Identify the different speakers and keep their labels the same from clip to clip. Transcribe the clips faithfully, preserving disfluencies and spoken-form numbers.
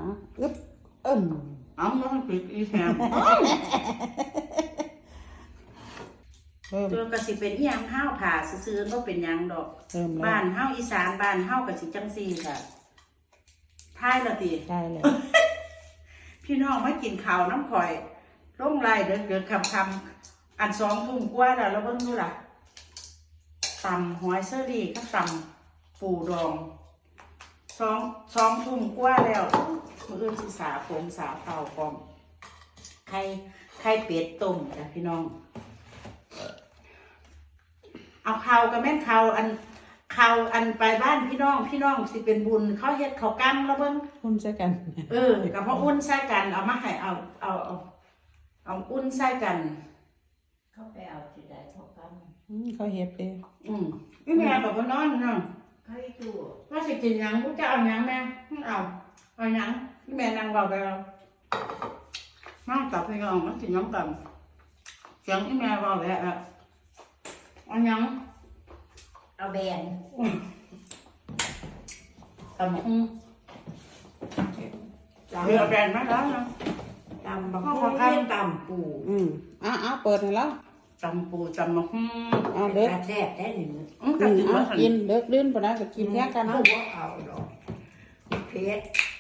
Speaker 1: อึ๊บเอิ่ม
Speaker 2: เอามาปิดอีแซมตัวกระสิเป็นอีหยังห้าวผ่าซื้อๆก็เป็นยังดอกบ้านห้าวอีสานบ้านห้าวกระสิจังซีค่ะท้ายละตี
Speaker 1: ได้เลย
Speaker 2: พี่น้องมากินข้าวน้ำข่อยร่องไรเดินเดินคำคำอันสองทุ่มกว่าแล้วเราเบิ่งดูล่ะตำหอยเซอรี่ก็ตำปูดองสองสองทุ่มกว่าแล้วมืออื่นสิสาผมสาเผากอมไข่ไข่เป็ดต้มจ้ะพี่น้องเอาข้าวกับแม่นข้าวอันข้าวอันไปบ้านพี่น้องพี่น้องสิเป็นบุญเขาเฮ็ดข้าวกั้มแล้วเบิ่ง
Speaker 1: อุ่นใส่กัน
Speaker 2: เออกับพ่ออุ่นใส่กันเอามาให้เอาเอาเอาเอาอุ่นใส่กัน
Speaker 3: เขาไปเอาที่ใดข้าวกั้ม
Speaker 1: เขาเฮ็ดเอง
Speaker 2: อืมพี่แม่บอกว่านอนเนาะ
Speaker 3: เขาให้ดู
Speaker 2: ว่าสิกินยังกูจะเอายังแม่เอาเอายังพี่แม่นั่งเบาไปเอานั่งตับพี่น้องมันสิน้ำกันเสียงพี่แม่เบาเลยอ่ะเอายัง
Speaker 3: เอาแบน
Speaker 2: ตำอืมเรือแบนมาแล้วนะ
Speaker 3: ตำบางคนเรียกตำปู
Speaker 1: อืมอ่ะอ่ะเปิดให้แล้ว
Speaker 2: ตำปูตำมะฮึ่ม
Speaker 1: อ่ะเด็ก
Speaker 3: แซ่บได้หนึ่ง
Speaker 2: อืมกินว่า
Speaker 1: กินเด็กลื่นปะนะก็กินแค่กัน
Speaker 3: นะว่าเอาหรอกเพชร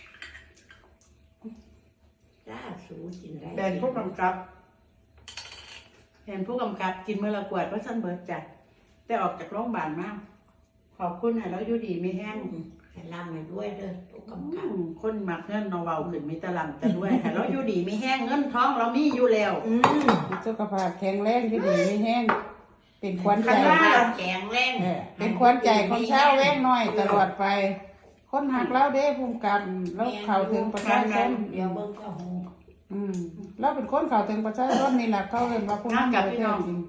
Speaker 3: จ้าสูกินได้
Speaker 2: แบนผู้กำกับแบนผู้กำกับกินเมื่อละกวดว่าสั้นเบิร์ดจัดได้ออกจากโรงพยาบาลมากขอบคุณให้แล้วอยู่ดีไม่แห้ง
Speaker 3: ให้ร่ำให้ด้วยเด้อผู้กำกับ
Speaker 2: คนมักเงินนอเบาขึ้นมีตะลำแต่ด้วยให้เราอยู่ดีไม่แห้งเงินท้องเรามีอยู่แล้ว
Speaker 1: สุขภาพแข็งแรงที่ดีไม่แห้งเป็นควันใจ
Speaker 3: แข็งแรง
Speaker 1: เป็นควันใจของชาวแว่งน้อยตลอดไปคนหักเราเด้ภูมิกันแล้วเข้าถึงประชาชน
Speaker 3: เดี๋ยวเบิ่งเข้าหู
Speaker 1: อืมเราเป็นคนเข้าถึงประชาชนนี่แหละเขาเรียกว่าผู้นำประเทศจริง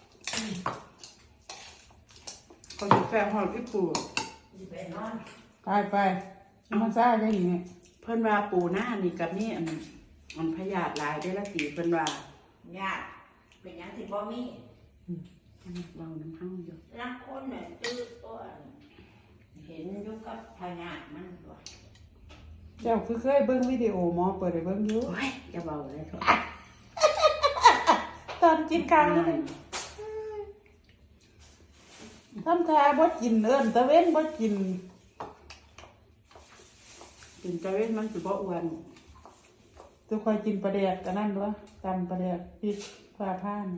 Speaker 2: คนแฟนหอดพี่ปู
Speaker 1: ไปไปมันซ่าได้ยังไง
Speaker 2: เพิ่นว่าปูหน้านี่กับนี่อันมันพยาธิลายได้ละตีเพิ่นว่า
Speaker 3: ญาติเป็นยังที่บ่มี
Speaker 2: เราน้ำห้างอยู่
Speaker 3: รักคนเนี่ยตื้อตัวเห็นอยู่กับพญาติมันตัว
Speaker 1: เจ้าคือเคยเบิ้งวิดีโอหมอเปิดให้เบิ้งอยู่
Speaker 2: โอ้ยจะเบาเลยทุก
Speaker 1: ตอนกินข้าวนี่ทำทาบ่กินเอิ้นตะเว้นบ่กิน
Speaker 2: กินตะเว้นมันสิบ่อ้วน
Speaker 1: ตัวคอยกินปลาแดกกันนั่นด้วยตำปลาแดกพริกฟ้าผ่าน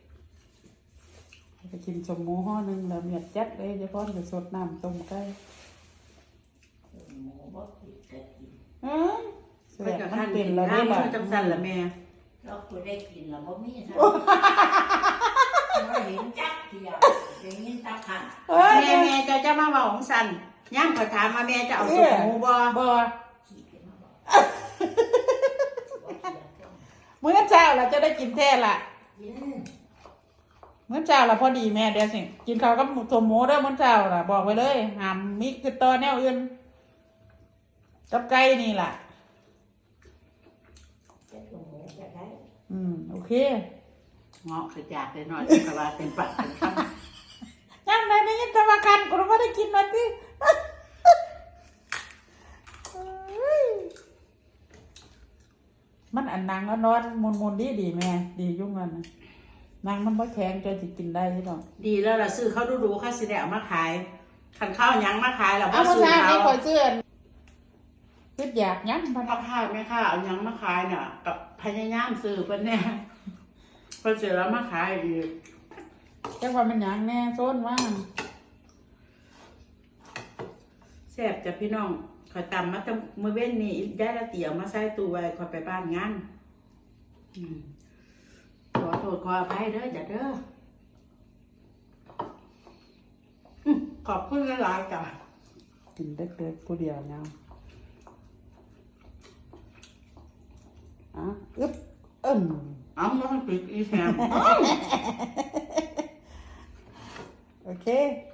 Speaker 1: ไปกินสมหมูห่อหนึ่งแล้วเมียดจัดเลยจะพ่อนไปสดน้ำต้มไก่
Speaker 3: หมูบ่กินก็กิน
Speaker 1: เออ
Speaker 2: เสียมันเป็นแล้วได้ล่ะจังสั่นล่ะแม่
Speaker 3: เราคุยได้กินแล้วบ่มีซะเราเห็นจักเที่ยวอย่างนี้ตาขัน
Speaker 2: แม่แม่จะจะมาเว้าของสั่นย่างขอถามมาแม่จะเอาสมหมูบ่
Speaker 1: บ่มื้อเช้าเราจะได้กินแท้ล่ะมื้อเช้าเราพอดีแม่เดี๋ยวสิกินข้าวกับตัวหมูเด้อมื้อเช้าล่ะบอกไว้เลยห้ามมีคือตอแนวอื่นกับไก่นี่ล่ะอืมโอเค
Speaker 2: เงาะคือจากได้หน่อยกะว่าเต็มปากเต็มค
Speaker 1: ำยังไงนี่ตะวันกันกูไม่ได้กินมันที่มันอันนางก็นอนมุนมุนดีดีแม่ดียุ่งกันนางมันบ่แข็งใจจะกินได้ใช่ไหม
Speaker 2: ดีแล้วล่ะซื้อเขาดูดูค่าสิได้เอามาขายขันข้าวยังมาขายแล้ว
Speaker 1: บ่ซื้อเขาเอาเสื้อคิดอยากยัง
Speaker 2: มันเอาข้าวไม่ค่ะเอายังมาขายเนี่ยกับพยายามซื้อเพิ่นเนี่ยเพิ่นเสร็จแล้วมาขายอีก
Speaker 1: จังว่ามันยังแน่โซนว่า
Speaker 2: แซ่บจ้ะพี่น้องขอยตำมาตั้งมื้อเว้นนี่ได้ละเตี๋ยวมาใส่ตู้ไว้ขอยไปบ้านงานขอโทษขออภัยเด้อจ้ะเด้อขอบคุณหลายๆจ้ะ
Speaker 1: กินเล็กๆผู้เดียวเนาะอ่ะอึ๊บเอิ่ม
Speaker 2: เอามาปิดอีแซม
Speaker 1: โอเค